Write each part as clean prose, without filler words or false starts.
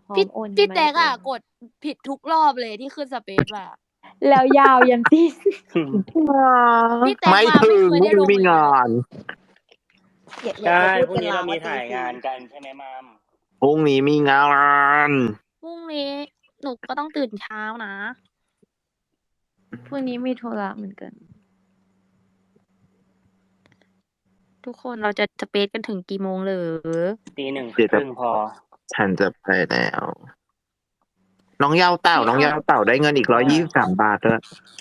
พร้อพี่มโอนพี่มาแจ๊กเรียบร้อะอยกดผิดทุกรอบเลยที่ขึ้น Space อะแล้วยาวยัน สิ้นพี่แจ๊กไม่มาถึไม่งเคยพรุ่ได้งลนี้งมีเลยงานะนอย่าใช่พูดพรุ่เป็งนนี้ลาเรามีว่าถ่ายตีงาน 4 กันใช่ไหมมัม? พรุ่งนี้มีงานพรุ่งนี้หนูก็ต้องตื่นเช้านะพรุ่งนี้มีธุระเหมือนกันทุกคนเราจะ Space กันถึงกี่โมงเหรอ? 1:30 เดี๋ยวจะพอฉันจะไปแล้ว น้องเยาเต่าพี่น้องเอาเยาเต่าได้เงินอีกว่า 123 บาทด้วย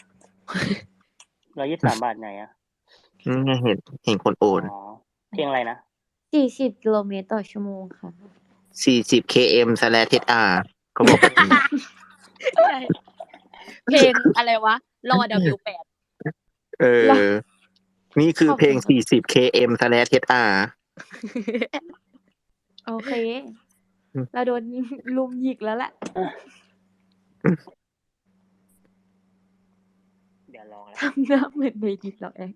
123 บาทไหนอะ? นี่ไง เห็นคนโออ๋อนเพลงอะไรนะ? 40 กิโลเมตรต่อชั่วโมงค่ะ 40 km/h เขาบอก แบบนี้ใช่ เพลงอะไรวะ รอ W8 รอ นี่คือขอบเพลคุงณค่ะ 40 km/h โอเค เราโดน รุมหยิกแล้วแหละเดี๋ยวลองแล้วทำหน้าเหมือนใน TikTok แอง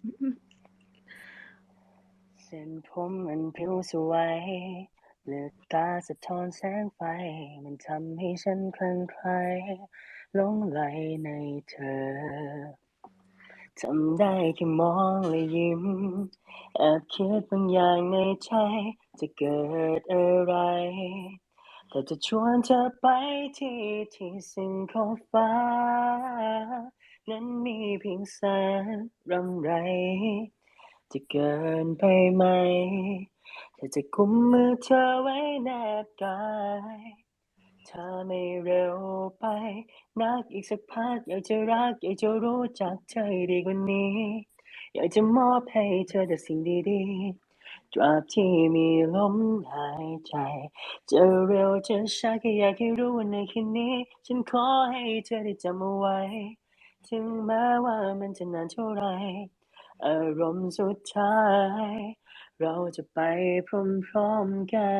เส้นผมมันพริ้วสวย เลือดตาสะท้อนแสงไฟ มันทำให้ฉันคลั่งไคล้ หลงใหลในเธอ ทำได้แค่มองและยิ้ม แอบคิดบางอย่างในใจ จะเกิดอะไร ถ้าจะชวนเธอไปที่สิ้นขอบฟ้า นั้นมีเพียงแสงรำไร จะเกินไปไหม ถ้าจะกุมมือเธอไว้แนบกาย ถ้าไม่เร็วไปนักอีกสักพัก อยากจะรัก อยากจะรู้จักเธอให้ดีกว่านี้ อยากจะมอบให้เธอแต่สิ่งดี ๆ ตราบที่มีลมหายใจ จะเร็วจะช้า แค่อยากให้รู้ว่าในคืนนี้ ฉันขอให้เธอได้จำเอาไว้ ถึงแม้ว่ามันจะนานเท่าไร อารมณ์สุดท้าย เราจะไปพร้อม ๆ กัน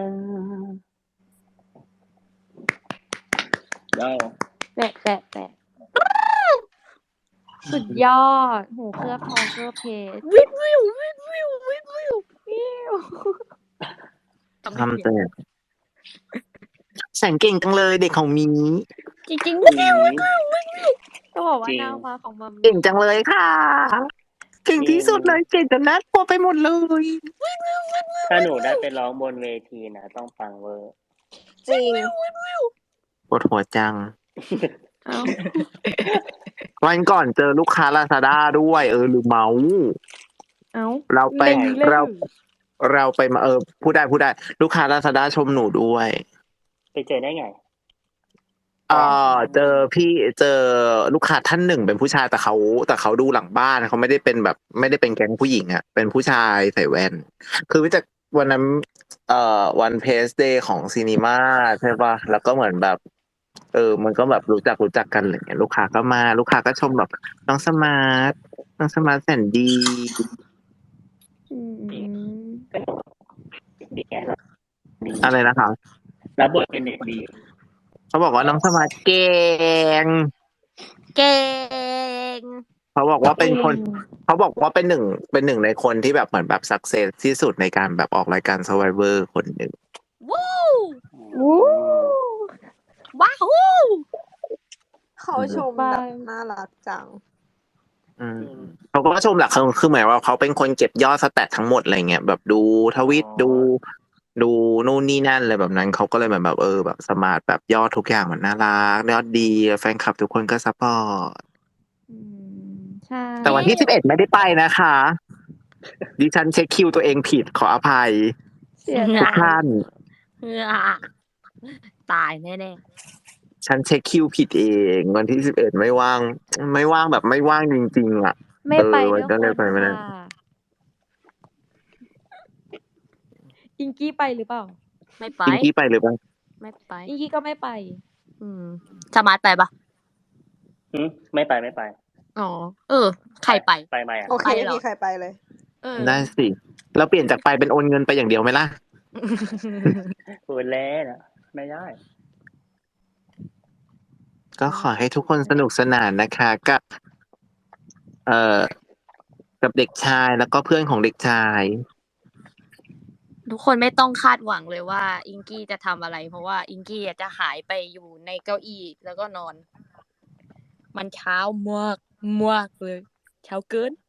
ได้แปะ สุดยอด หูเคลือบทองเคลือบเพชรวิดวิว วิดวิว วิดวิวทำแต่ แสนเก่งจังเลยเด็กของมีจริง ๆ วิดวิว วิดวิว วิดวิวต้องบอกว่าจริงนางฟ้าของมัมเก่งจังเลยค่ะ เก่งจริที่งสุดเลย เก่งจนน่ากลัวไปหมดเลยถ้าหนูได้ไปร้องบนเวทีนะ ต้องปังเวอร์จริงปวดหัวจังอ้าววันก่อนเจอลูกค้า Lazada ด้วย ลืมเมาท์อ้าวเราไปเล็งเลยเราไปมา พูดได้ ลูกค้า Lazada ชมหนูด้วยไปเจอได้ไง? เจอลูกค้าท่านหนึ่งเป็นผู้ชาย แต่เขาดูหลังบ้าน เขาไม่ได้เป็นแบบ ไม่ได้เป็นแก๊งผู้หญิงอะ เป็นผู้ชายใส่แว่น คือรู้จักวันนั้น วันเพสเดย์ของซินิมาใช่เปล่า แล้วก็เหมือนแบบ มันก็แบบรู้จักกัน อะไรอย่างเงี้ย ลูกค้าก็มา ลูกค้าก็ชมแบบ น้องสมาร์ทแสนดีอืมอะไรนะคะ? รับบทเป็นเด็กดีเขาบอกว่าน้องสมาร์ทเก่งเก่งเขาบอกว่าเป็นหนึ่งในคนที่แบบเหมือนแบบ success ที่สุดในการแบบออกรายการ Survivor คนหนึ่งวู้วู้ว้าฮู้เขาชมแบบน่ารักจังเขาก็ชมแหละ คือหมายว่าเขาเป็นคนเก็บยอด stat ทั้งหมด อะไรเงี้ย แบบดูทวิต ดูนู่นนี่นั่น อะไรแบบนั้น เขาก็เลยเหมือนแบบ แบบสมาร์ท แบบยอดทุกอย่างมันน่ารัก ยอดดี แฟนคลับทุกคนก็ซัปพอร์ตใช่แต่วันที่ 11 ไม่ได้ไปนะคะ ดิฉันเช็คคิวตัวเองผิด ขออภัยเสียทุดาก ยท่านตายแน่ ๆฉันเช็คคิวผิดเอง วันที่ 11 ไม่ว่าง แบบไม่ว่างจริง ๆ อะไม่ไปด้มัวยนก็เลยคไปนไม่ได้ค่ะ อิงกี้ไปหรือเปล่า? ไม่ไปพิงกี้ไปหรือเปล่า? ไม่ไปอิงกี้ก็ไม่ไปสมาร์ทไปเปล่า? ไม่ไปอ๋อ ใครไปไปไหมอะ? โอเคไปไม่เหรอ? มีใครไปเลยได้สิ เราเปลี่ยนจากไปเป็นโอนเงินไปอย่างเดียวไหมล่ะ? พูดเล่นอะ ไม่ได้ก็ขอให้ทุกคนสนุกสนานนะคะ กับเด็กชาย แล้วก็เพื่อนของเด็กชายทุกคนไม่ต้องคาดหวังเลยว่าอิงกี้จะทำอะไร เพราะว่าอิงกี้จะหายไปอยู่ในเก้าอี้แล้วก็นอน มันเช้ามากมากเลย เช้าเกิน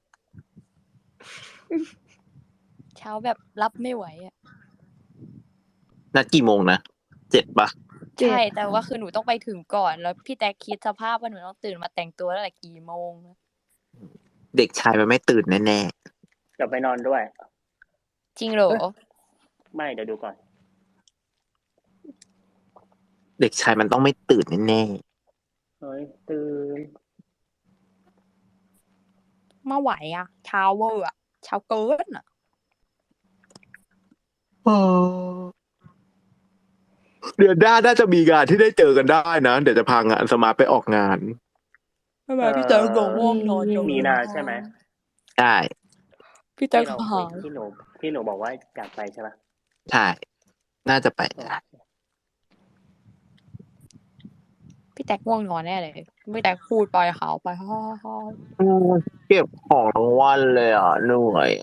เช้าแบบรับไม่ไหวอ่ะนัดกี่โมงนะ7 ปะเจ็ดใช่ แต่ว่าคือหนูต้องไปถึงก่อน แล้วพี่แต๊กคิดสภาพว่าหนูต้องตื่นมาแต่งตัวตั้งแต่กี่โมงนะเด็กชายมันไม่ตื่นแน่เดี๋ยวไปนอนด้วยจริงเหรอไม่เดี๋ยวดูก่อนๆเด็กชายมันต้องไม่ตื่นแน่เฮ้ยตื่นมาไหวอ่ะ เช้าเวอร์อ่ะ เช้าเกินอ่ะๆเดือนหน้าน่าจะมีงานที่ได้เจอกันได้นะเดี๋ยวจะพางานสมาร์ทไปออกงานทำไมพี่แต๊กบอกง่วงนอนจังมีนาใช่ไหมใช่พี่แต๊กที่เราหายที่หนูบอกว่าอยากไปใช่ปะใช่ น่าจะไปพี่แต๊กง่วงนอนแน่เลยพี่แต๊กพูดไปขาวไปฮ่าฮ่าเก็บของทั้งวันเลยอ่ะเหนื่อย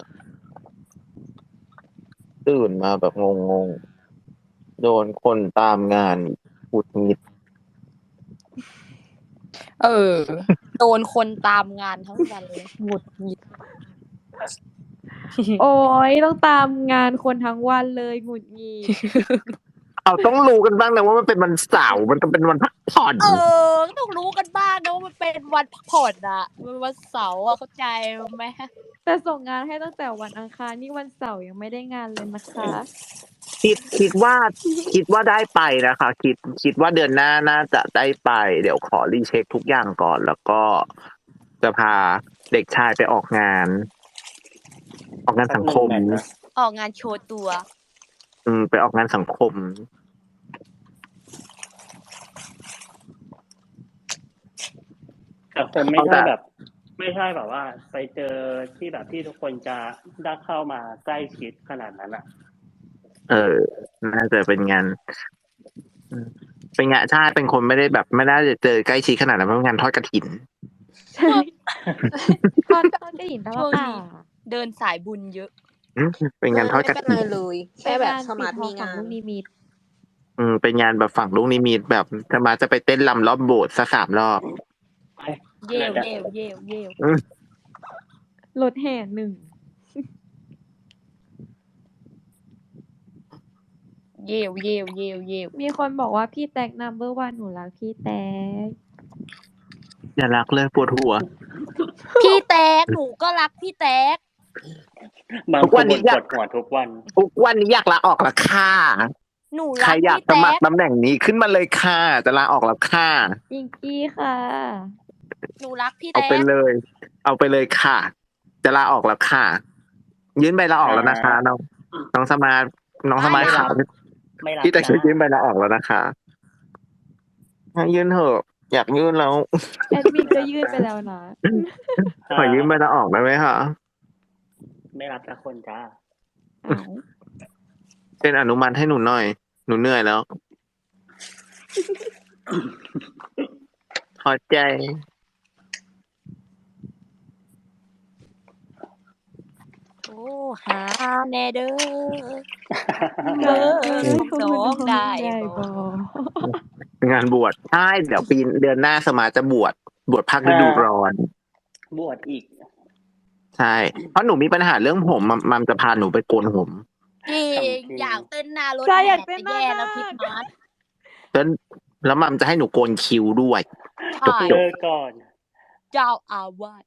ตื่นมาแบบงงๆโดนคนตามงานหงุดหงิดโดนคนตามงานทั้งวันเลยหงุดหงิดโอ้ยต้องตามงานคนทั้งวันเลยหงุดหงิดเอาต้องรู้กันบ้างนะว่ามันเป็นวันเสาร์มันต้องเป็นวันพักผ่อนต้องรู้กันบ้างนะว่ามันเป็นวันพักผ่อนอะมันวันเสาร์อะเข้าใจไหมแต่ส่งงานให้ตั้งแต่วันอังคารนี่วันเสาร์ยังไม่ได้งานเลยนะคะคิดว่าได้ไปนะคะ คิดว่าเดือนหน้าน่าจะได้ไป เดี๋ยวขอรีเช็คทุกอย่างก่อน แล้วก็จะพาเด็กชายไปออกงาน สังคมออกงานโชว์ตัวไปออกงานสังคมแต่คงไม่ใช่แบบ ไม่ใช่แบบว่า ไปเจอที่แบบที่ทุกคนจะได้เข้ามาใกล้ชิดขนาดนั้นอ่ะน่าจะเป็นงานใช่เป็นคนไม่ได้แบบไม่น่าจะเจอใกล้ชิดขนาดนั้นเพราะงานทอดกฐินใช่ทอดกระดิ่งตลอดเดินสายบุญเยอะเป็นงานทอดกไม่เป็นฐิไรนเลย แค่แบบสมาร์ทมีงานลูกนิมิตเป็นงานแบบฝั่งลูกนิมิตแบบจะไปเต้นรำรอบโบสถ์สัก3 รอบเย่วเย่วเย่วเย่วรถแห่หนึ่งเย่วเย่วเย่วเย่วมีคนบอกว่าพี่แตกนัมเบอร์วันหนูรักพี่แตกอย่ารักเลยปวดหัวพี่แต๊กหนูก็รักพี่แต๊กบางทุกควันนนี้ปอยากวดหัวทุกวันทุกวันนี้อยากลาออกแล้วค่ะหนูใครัรกอยากพี่สมัแต๊คกรตำแหน่งนี้ขึ้นมาเลยค่ะจะลาออกแล้วค่ะอิงกี้ค่ะหนูรักพี่เอาแต๊ไปกเลย เอาไปเลยค่ะ จะลาออกแล้วค่ะ ยื่นใบลาออกแล้วนะคะน้องสมาร์ทค่ะไม่รับพี่แต่จ้ายื่นใบลาออกแล้วนะคะยื่นเถอะอยากยื่นแล้วแอดมินก็ยื่นไปแล้วนะขอยื่นใบลาออกได้ไหมคะไม่รับละคนจ้าอ้าวเป็นอนุมัติให้หนูหน่อย หนูเหนื่อยแล้วพอใจโอ้หาแน่เด้อเออน้องได้บองานบวชใช่เดี๋ยวเดือนหน้าสมาจะบวชภาคฤดูร้อนบวชอีกใช่เพราะหนูมีปัญหาเรื่องผมมัมจะพาหนูไปโกนผมจริงอยากเต้นหน้ารถใช่อแห่ยากเต้นจะมากแย่แล้วพี่มาร์ทแล้วมัมจะให้หนูโกนคิ้วด้วยใช่เลิกก่อนเจ้าอาวาส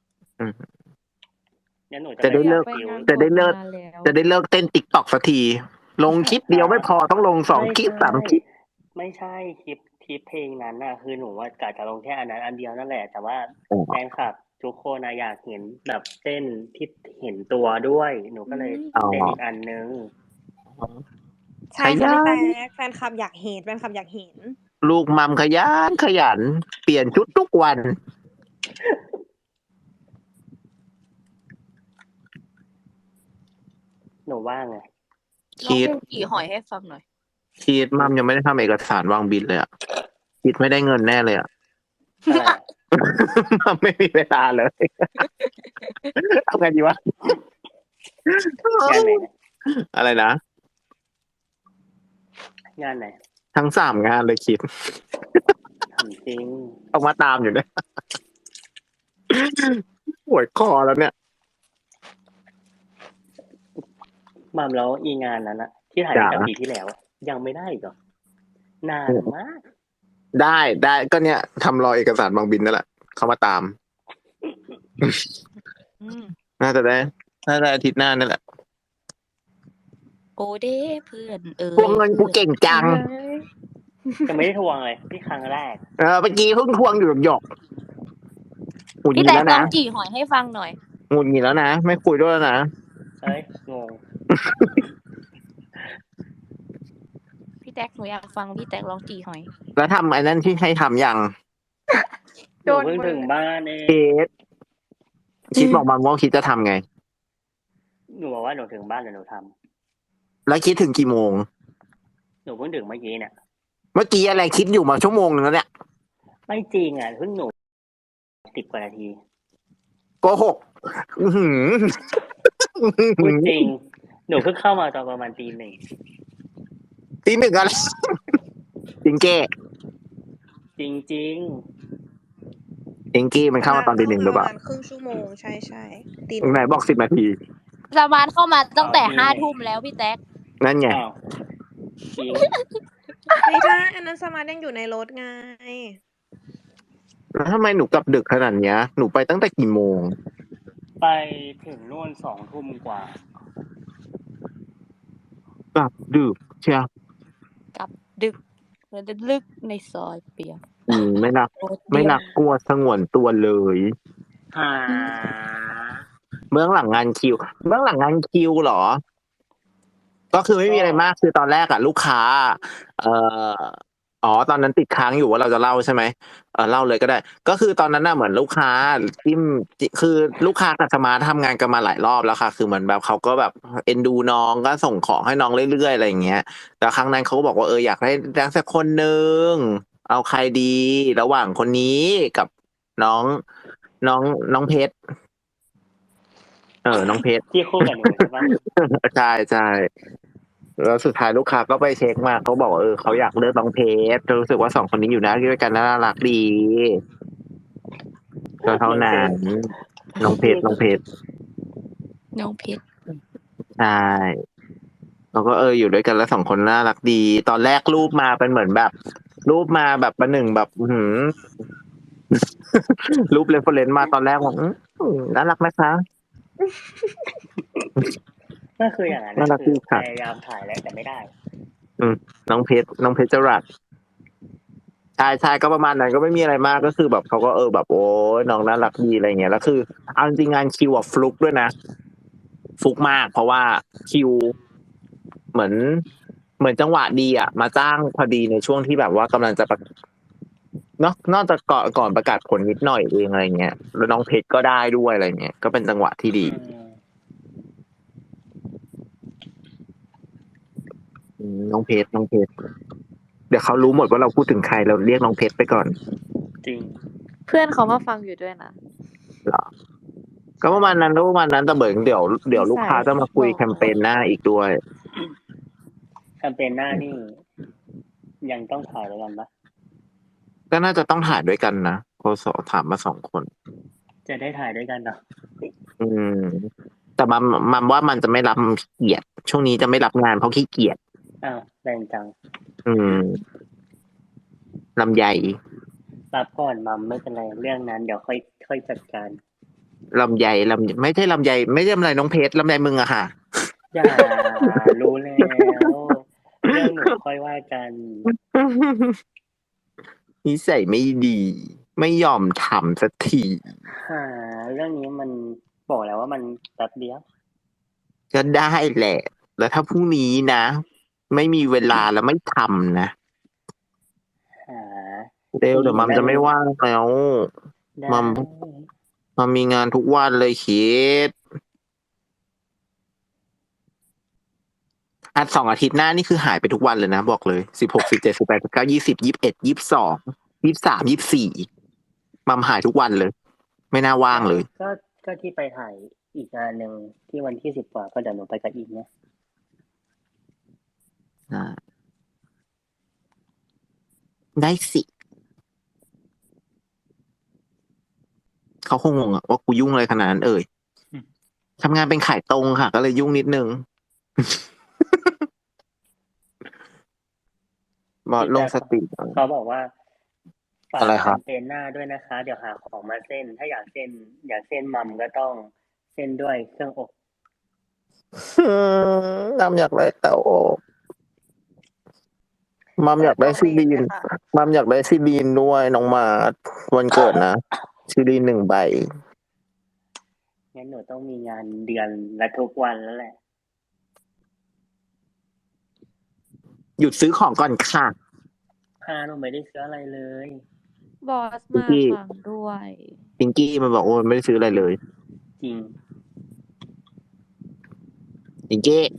งั้นหนูจะได้เลิกไปงานจะได้เลิกบวชมานานแล้วจะได้เลิกเต้นติ๊กต็อกสักที ลงคลิปเดียวไม่พอต้องลง2 คลิป 3 คลิปไม่ใช่คลิปเพลงนั้นน่ะ คือหนูว่ากะจะลงแค่อันนั้นอันเดียวนั่นแหละ แต่ว่าอ๋อแฟนคลับทุกคนอยากเห็นแบบเต้นที่เห็นตัวด้วย หนูก็เลยเต้นอีกอันนึงใช่ค่ะพี่แต๊กแฟนคลับอยากเห็นแฟนคลับอยากเห็นลูกมัมขยันเปลี่ยนชุดทุกวันหนูว่าไงคิดร้องเพลงกี่หอยให้ฟังหน่อยมัมยังไม่ได้ทำเอกสารวางบินเลยอ่ะคิดไม่ได้เงินแน่เลยอ่ะอะไรอะมัมไม่มีเวลาเลย เอาไงดีวะงานไหนเนี่ยอะไรนะงานไหนทั้ง3 งานเลยคิดทำจริงต้องมาตามอยู่เนี่ยปวดคอแล้วเนี่ยมัมแล้วอีงานนั้นอะที่ถ่ายตั้งแต่จ๋าปีที่แล้วอะยังไม่ได้อีกเหรอนานมากได้ก็เนี่ยทำรอเอกสารบางบินนั่นแหละเขามาตามอืมน่าจะได้อาทิตย์หน้านั่นแหละโอเด้เพื่อนเอ๋ยพวงเงินกูเก่งจังเฮ้ยจะไม่ได้ทวงเลยที่ครั้งแรกเมื่อกี้เพิ่งทวงอยู่หยอกหงุดหพี่งิดแตกแล้วลอนะงจี่หอยให้ฟังหน่อยหงุดหงิดแล้วนะไม่คุยด้วยแล้วนะเอ้ยงงพี่แตกหนูอยากฟังพี่แตกลองจี่หอยแล้วทำไอ้นั่นที่ให้ทำยังหนูเพิ่งถึงบ้านเองคิดบอกมันว่าคิดจะทำไงหนูบอกว่าหนูถึงบ้านแล้วหนูทแล้วคิดถึงกี่โมงำหนูเพิ่งถึงเมื่อกี้เนี่ยเมื่อกี้อะไรคิดอยู่มาชั่วโมงนึงแล้วเนี่ยไม่จริงอ่ะเพิ่งหนู10 กว่านาทีโกหกอื้อหือพูดจริง หนูเพิ่งเข้ามาตอนประมาณตี 1 ตีหนึ่งอะไรจริงเก้จริงจริงกี้มันเข้ามาตอนตี 1หรือเปล่าประมาณครึ่งชั่วโมงใช่ตีไหนบอก10 นาทีสมานเข้ามาตั้งแต่5 ทุ่มแล้วพี่แตกนั่นไงอ้าวจริงไม่ใช่อันนั้นสมาร์ทยังอยู่ในรถไงแล้วทำไมหนูกลับดึกขนาดเนี้ยหนูไปตั้งแต่กี่โมงไปถึงนู่น2 ทุ่มกว่ากลับดึกเชียวดึกแล้วลึกในซอยเปียกไม่นักโอ๊ตไม่เดียวนักกลัวสงวนตัวเลยหาเบื้องหลังงานคิวเหรอ ก็คือไม่มีอะไรมากคือตอนแรกอะลูกค้า เอ่อตอนนั้นติดค้างอยู่ว่าเราจะเล่าใช่ไหมเล่าเลยก็ได้ ก็คือตอนนั้นน่ะเหมือนลูกค้าคือลูกค้ากับสมาร์ททำงานกันมาหลายรอบแล้วค่ะ คือเหมือนแบบเขาก็แบบเอ็นดูน้องก็ส่งของให้น้องเรื่อยๆอะไรอย่างเงี้ย แต่ครั้งนั้นเขาก็บอกว่าอยากได้สักคนหนึ่งเอาใครดี ระหว่างคนนี้กับน้องน้องเพชรน้องเพชรที่คู่กับหนูใช่ปะใช่ใช่แล้วสุดท้ายลูกค้าก็ไปเช็คมาเขาบอกว่าเขาอยากเลือกน้องเพชรรู้สึกว่า2 คนนี้อยู่นะด้วยกันน่ารักดีก็เท่านั้นน้องเพชรน้องเพชรใช่แล้วก็อยู่ด้วยกันแล้ว2 คนน่ารักดี ตอนแรกรูปมาเป็นเหมือนแบบ รูปมาแบบประหนึ่งแบบรูปเรฟเฟอเรนซ์มาตอนแรกว่าน่ารักนะคะก็คืออย่างนั้นน่ารักคืดีอค่ะพยายามถ่ายแล้วแต่ไม่ได้น้องเพชรจรัสใช่ก็ประมาณนั้นก็ไม่มีอะไรมากก็คือแบบเขาก็แบบโอ้ยน้องน่ารักดีอะไรเงี้ยแล้วคือเอาจริงๆงานคิวฟลุกด้วยนะฟลุกมาก เพราะว่าคิวเหมือนจังหวะดีอ่ะมาจ้างพอดีในช่วงที่แบบว่ากำลังจะเนาะนอกจากก่อนประกาศผลนิดหน่อยเองอะไรเงี้ยแล้วน้องเพชรก็ได้ด้วยอะไรเงี้ยก็เป็นจังหวะที่ดีน้องเพชรเดี๋ยวเขารู้หมดว่าเราพูดถึงใครเราเรียกน้องเพชรไปก่อนจริงเพื่อนเขามาฟังอยู่ด้วยนะเหรอก็ประมาณนั้นแต่เดี๋ยวลูกค้าจะมาคุยแคมเปญหน้าอีกด้วยแคมเปญหน้านี่ยังต้องถ่ายด้วยกันปะก็น่าจะต้องถ่ายด้วยกันนะโคสถามมา2 คนจะได้ถ่ายด้วยกันเนาะแต่มันว่ามันจะไม่รับขี้เกียจช่วงนี้จะไม่รับงานเพราะขี้เกียจอ้าวแรงจังลำไยรับก่อนมัมไม่เป็นไรเรื่องนั้น เดี๋ยวค่อยจัดการลำไยไม่ใช่ลำไยไม่ใช่ลำไยน้องเพชรลำไยมึงอะค่ะอย่ารู้แล้วเรื่องหนูค่อยว่ากันนิสัยไม่ดี ไม่ยอมทำสักทีเรื่องนี้มันบอกแล้วว่ามันแป๊บเดียวก็ได้แหละ แล้วถ้าพรุ่งนี้นะ ไม่มีเวลาแล้วไม่ทำนะหาเร็วเดี๋ยวมัมจะไม่ว่างแล้วได้มัมมีงานทุกวันเลยคิด2 อาทิตย์หน้านี่คือหายไปทุกวันเลยนะบอกเลย16 17 18 19 20 21 22 23 24มัมหายทุกวันเลย ไม่น่าว่างเลยก็ที่ไปถ่ายอีกงานหนึ่งที่วันที่10 กว่าก็เดี๋ยวหนูไปกับอีกเนี่ยอ่าได้สิเขาคงงงอะว่ากูยุ่งอะไรขนาดนั้นทำงานเป็นขายตรงค่ะ ก็เลยยุ่งนิดนึงมาลงสติเขาบอกว่าฝากอะไรแคครับมเปญหน้าด้วยนะคะ เดี๋ยวหาของมาเส้น ถ้าอยากเส้นมัมก็ต้องเส้นด้วยเครื่องอบน้ำอยากได้เตาอบมัมอยากได้ซีดีนมัมอยากได้ซีดีนด้วยน้องมาวันเกิดนะซีดีน1 ใบงั้นหนูต้องมีงานเดือนละทุกวันแล้วแหละหยุดซื้อของก่อนค่ะหนูไม่ได้ซื้ออะไรเลยบอสมาฟังด้วยพิงกี้มันบอกว่ามันไม่ได้ซื้ออะไรเลยจริงพิงกี้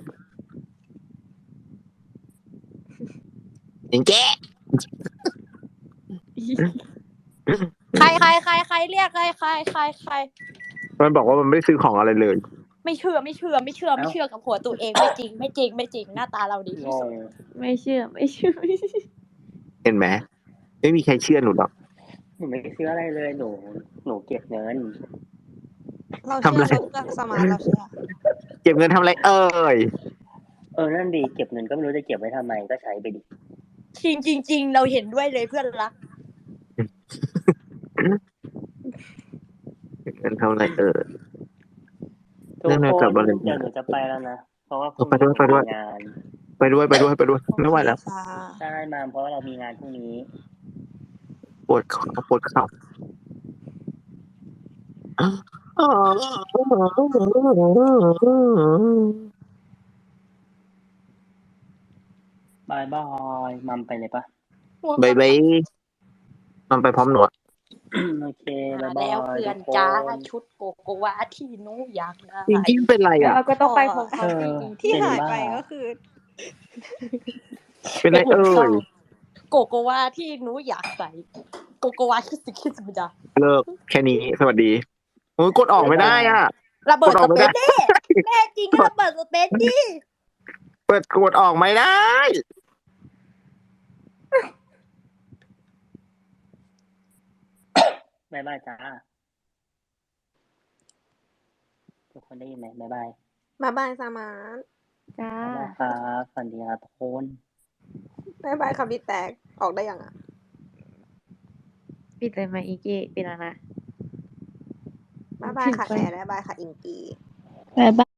พิงกี้ใครเรียกใครมันบอกว่ามันไม่ได้ซื้อของอะไรเลยไม่เชื่อกับหัวตัวเองไม่จริงหน้าตาเราดีงที่สุดงไม่เชื่อเห็นไหมไม่มีใครเชื่อหนูหรอกหนูไม่ได้ซื้ออะไรเลย หนูเก็บเงินเราทำเชื่อะไรอเราเลือกสมาร์ทเราเชื่อเก็บเงินทำอะไรเอ่ยนั่นดี เก็บเงินก็ไม่รู้จะเก็บไว้ทำไม ก็ใช้ไปดิจริงเราเห็นด้วยเลยเพื่อนรักเก็บเงินทำอะไรเอ่ยทุกเรื่องอะไรคกลันบมาเลยเดี๋ยวหนูจะไปแล้วนะ เพราะว่าพรุ่งไปด้วยนี้ไปด้วยมีงานไปด้วยไม่ไหวแล้วค่ะใช่มาเพราะว่าเรามีงานพรุ่งนี้ปวดเข่าบายบายมัมไปเลยปะบายบายมันไปพร้อมหนูอะโอเคมาบายบายแล้วเพื่อนทุกจ้าคนชุดโกโกวาที่หนูอยากได้พิงกี้เป็นไรแล้วอ่ะเราก็ต้องไปพร้อมเออที่เป็นหายบ้าไปก็คือเป็นไรเอ่ยโกโกวาที่หนูอยากใส่โกโกวาคิสมิดาเลิกแค่นี้สวัสดีโอ้ยกดออกไม่ได้อ่ะระเบิดกดอสอกไม่เปได้ซแน่จริงก็ระเบิดสเปซดิเปิดกดออกไม่ได้บายบายจ้า ทุกคนได้ยินไหมบายบายบ๊ายบายสมาร์ทจ้าบายบายครับฝันดีครับทุกคนบ๊ายบายครับพี่แตกออกได้ยังอ่ะปิดเลยไหมอีกี้ปิดแล้วนะบ๊ายบายค่ะแอร์บ๊ายบายค่ะอิงกี้บ๊ายบาย